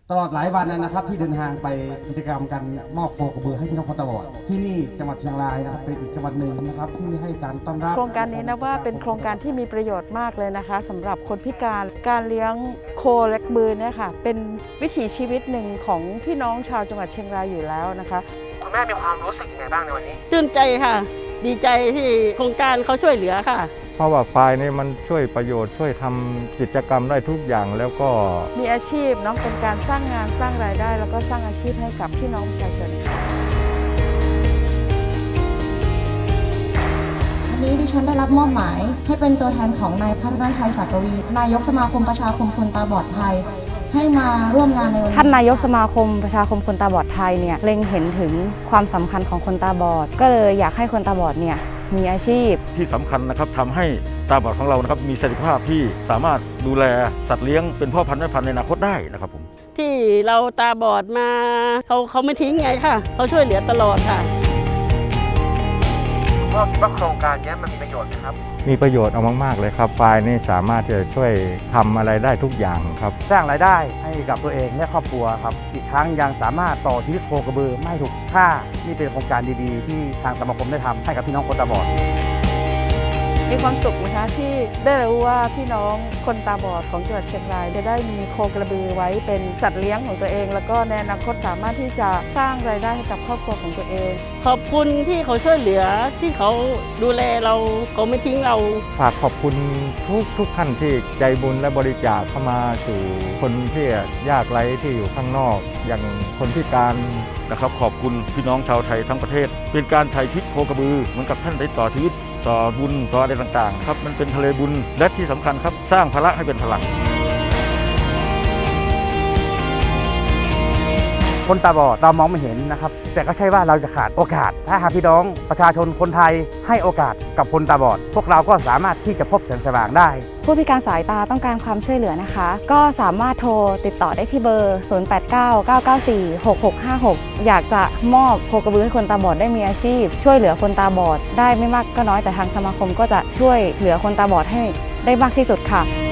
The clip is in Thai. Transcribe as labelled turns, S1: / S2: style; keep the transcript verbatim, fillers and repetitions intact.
S1: ตลอดหลายวันนะครับที่เดินทางไปกิจกรรมกันมอบโคกระบือให้พี่น้องคนตาบอดที่นี่จังหวัดเชียงรายนะครับเป็นอีกจังหวัดหนึ่งนะครับที่ให้การต้อนรับ
S2: โครงการนี้นะว่าเป็นโครงการที่มีประโยชน์มากเลยนะคะสำหรับคนพิการการเลี้ยงโคและกระบือเนี่ยค่ะเป็นวิถีชีวิตหนึ่งของพี่น้องชาวจังหวัดเชียงรายอยู่แล้วนะคะ
S3: คุณแม่มีความรู้สึกยังไงบ้างในวันนี้
S4: ชื่นใจค่ะดีใจที่โครงการเขาช่วยเหลือค่ะ
S5: เพราะว่าควายนี่มันช่วยประโยชน์ช่วยทำกิจกรรมได้ทุกอย่างแล้วก็
S2: มีอาชีพเนาะเป็นการสร้างงานสร้างรายได้แล้วก็สร้างอาชีพให้กับพี่น้องประชาชนค่ะ
S6: วันนี้ดิฉันได้รับมอบหมายให้เป็นตัวแทนของนายพัฒนชัยศักวีนายกสมาคมประชาคมคนตาบอดไทยให้มาร่วมงานในวันนี้
S2: ท่านนายกสมาคมประชาคมคนตาบอดไทยเนี่ยเล็งเห็นถึงความสำคัญของคนตาบอดก็เลยอยากให้คนตาบอดเนี่ยมีอาชีพ
S7: ที่สำคัญนะครับทำให้ตาบอดของเรานะครับมีศักยภาพที่สามารถดูแลสัตว์เลี้ยงเป็นพ่อพันธุ์แม่พันธุ์ในอนาคตได้นะครับผม
S4: ที่เราตาบอดมาเขาเขาไม่ทิ้งไงค่ะเขาช่วยเหลือตลอดค่ะ
S3: พ่อคิดว่าโครงการนี้มันมีประโยชน์ไหมครับ
S5: มีประโยชน์เอามากๆเลยครับควายนี่สามารถที่จะช่วยทำอะไรได้ทุกอย่างครับ
S8: สร้างรายได้ให้กับตัวเองและครอบครัวครับอีกครั้งยังสามารถต่อชีวิตโคกระบือไม่ถูกค่านี่เป็นโครงการดีๆที่ทางสมาคมได้ทำให้กับพี่น้องคนตาบอด
S2: มีความสุขนะคะที่ได้รู้ว่าพี่น้องคนตาบอดของจังหวัดเชียงรายจะได้มีโคกระบือไว้เป็นสัตว์เลี้ยงของตัวเองแล้วก็ในอนาคตสามารถที่จะสร้างรายได้ให้กับครอบครัวของตัวเอง
S4: ขอบคุณที่เขาช่วยเหลือที่เขาดูแลเราเขาไม่ทิ้งเรา
S5: ฝากขอบคุณทุกทุกท่านที่ใจบุญและบริจาคเข้ามาสู่คนที่ยากไร้ที่อยู่ข้างนอกอย่างคนพิการ
S7: นะครับขอบคุณพี่น้องชาวไทยทั้งประเทศเป็นการไถ่พิษโคกระบือเหมือนกับท่านได้ต่อชีวิตต่อบุญต่ออะไรต่างๆครับมันเป็นทะเลบุญและที่สำคัญครับสร้างพละให้เป็นพลัง
S8: คนตาบอดเรามองไม่เห็นนะครับแต่ก็ใช่ว่าเราจะขาดโอกาสถ้าหากพี่น้องประชาชนคนไทยให้โอกาสกับคนตาบอดพวกเราก็สามารถที่จะพบแสงสว่างได้
S2: ผู้พิการสายตาต้องการความช่วยเหลือนะคะก็สามารถโทรติดต่อได้ที่เบอร์ ศูนย์ แปด เก้า เก้า เก้า สี่ หก หก ห้า หก อยากจะมอบโคกระบือให้คนตาบอดได้มีอาชีพช่วยเหลือคนตาบอดได้ไม่มากก็น้อยแต่ทางสมาคมก็จะช่วยเหลือคนตาบอดให้ได้มากที่สุดค่ะ